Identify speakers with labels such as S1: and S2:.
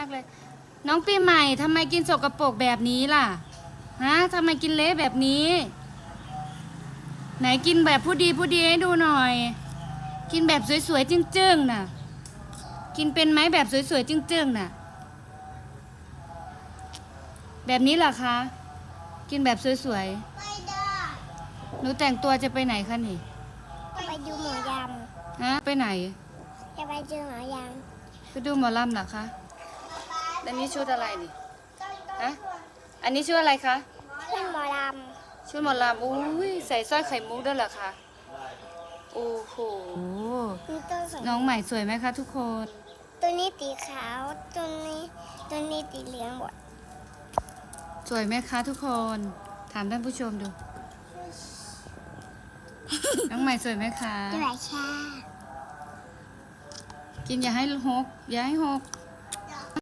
S1: เลย น้องปีใหม่ทำไมกินสกปรกแบบนี้ล่ะฮะทำไมกินเละแบบนี้ ไหนกินแบบผู้ดีให้ดูหน่อย กินแบบสวยๆจึ้งๆน่ะ กินเป็นไหมแบบสวยๆจึ้งๆน่ะ แบบนี้เหรอคะ กินแบบสวย
S2: ไม่ได้
S1: ๆหนูแต่งตัวจะไปไหนคะนี่
S2: จะไปดูหมอย
S1: ฮะไปไหน
S2: ำจะไปดูหมอย
S1: ไปดูหมอลำเหรอคะอันนี้ชุดอะไรนี่ฮะอันนี้ชุดอะไรคะ
S2: ำขึ้นหมอล
S1: ชุดหมอลำอุ้ยใส่สร้อยไข่มุกด้วยเหรอคะโอ้โห
S2: ำมีต้นสอง
S1: น้องใหม่สวยไหมคะทุกคน
S2: ตัวนี้สีขาวตัวนี้สีเหลืองหมด
S1: สวยไหมคะทุกคนถามท่านผู้ชมดู น้องใหม่สวยไหมคะ
S2: ด้วยชา
S1: กินอย่าให้หกอย่าให้หก